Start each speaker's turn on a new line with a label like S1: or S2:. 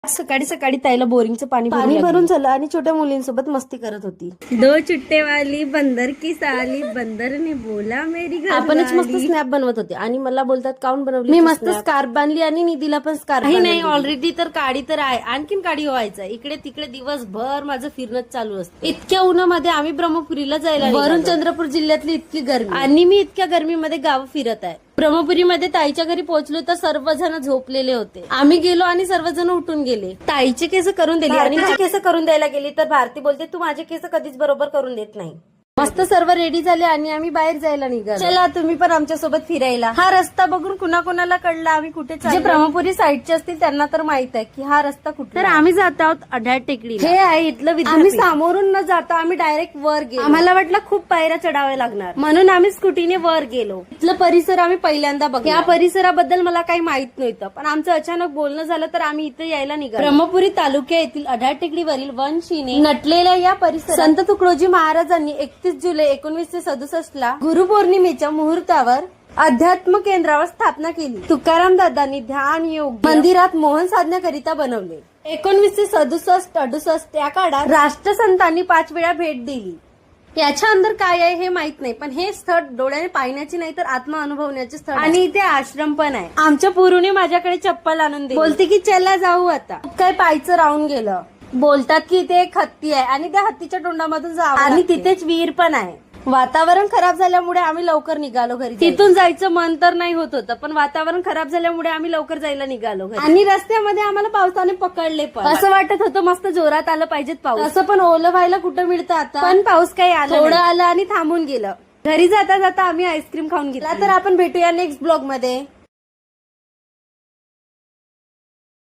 S1: सकाळी सकाळी ताईला बोरिंगचं पाणी भरून झालं आणि छोट्या मुलींसोबत मस्ती करत होती.
S2: दो चुट्टे वाली बंदर की साली, बंदर ने बोला मेरी घर
S1: आपणच मस्त स्नॅप बनवत होते आणि मला बोलतात काऊन बनवली. मी मस्त स्कार्फ बांधली आणि निधीला पण स्कार्फ. नाही ऑलरेडी तर काडी तर आहे, आणखीन काडी व्हायचं. इकडे तिकडे दिवसभर माझं फिरणंच चालू असतं. इतक्या उन्हामध्ये आम्ही ब्रह्मपुरीला जायला, वरून चंद्रपूर जिल्ह्यातली इतकी गरमी आणि मी इतक्या गरमीमध्ये गाव फिरत आहे. ब्रह्मपुरीमध्ये ताईच्या घरी पोहोचलो तर सर्वजण झोपलेले होते. आम्ही गेलो आणि सर्वजण उठून गेले. ताईचे केस करून दिले आणि केस करून द्यायला गेली तर भारती बोलते तू माझे केस कधीच बरोबर करून देत नाही. मस्त सर्व रेडी झाले आणि आम्ही बाहेर जायला निघालो. चला तुम्ही पण आमच्या सोबत फिरायला. हा रस्ता बघून कुणाला कळला आम्ही कुठे चाललो. जे ब्रह्मपुरी साईडचे असतील त्यांना तर माहित आहे की हा रस्ता कुठे. तर आम्ही जात आहोत अढ्याळ टेकडी. हे आहे इथलं विद्यापीठ. आम्ही सामोरून न जाता आम्ही डायरेक्ट वर गेलो. आम्हाला वाटलं खूप पायऱ्या चढाव्या लागणार म्हणून आम्ही स्कूटीने वर गेलो. इथलं परिसर आम्ही पहिल्यांदा बघलो. या परिसराबद्दल मला काही माहित नव्हतं पण आमचं अचानक बोलणं झालं तर आम्ही इथे यायला निघालो. ब्रह्मपुरी तालुक्या येथील अढ्याळ टेकडीवरील वनशीने नटलेल्या या परिसरात संत तुकडोजी महाराजांनी 31 जुलै 1967 ला गुरुपौर्णिमेच्या मुहूर्तावर अध्यात्म केंद्रावर स्थापना केली. तुकाराम दादांनी ध्यान योग मंदिरात मोहन साधण्याकरिता बनवले. 1967-68 या काळात राष्ट्रसंतांनी 5 वेळा भेट दिली. याच्या अंदर काय आहे हे माहित नाही पण हे स्थळ डोळ्याने पाहण्याची नाही तर आत्मा अनुभवण्याचे स्थळ आणि इथे आश्रम पण आहे. आमच्या पुरुने माझ्याकडे चप्पल आणून दिली. बोलते की चला जाऊ आता. काय पायचं राहून गेलं. बोलतात की इथे एक हत्ती आहे आणि त्या हत्तीच्या तोंडामधून जावं आणि तिथेच विहीर पण आहे. वातावरण खराब झाल्यामुळे आम्ही लवकर निघालो घरी. तिथून जायचं मन तर नाही होत होतं पण वातावरण खराब झाल्यामुळे आम्ही लवकर जायला निघालो घरी. आणि रस्त्यामध्ये आम्हाला पावसाने पकडले पण असं वाटत होतं मस्त जोरात आलं पाहिजेत पाऊस. असं पण ओलं व्हायला कुठं मिळतं आता. पण पाऊस काही आला थोडं आलं आणि थांबून गेलं. घरी जाता जाता आम्ही आईस्क्रीम खाऊन घेतला. तर आपण भेटूया नेक्स्ट ब्लॉग मध्ये.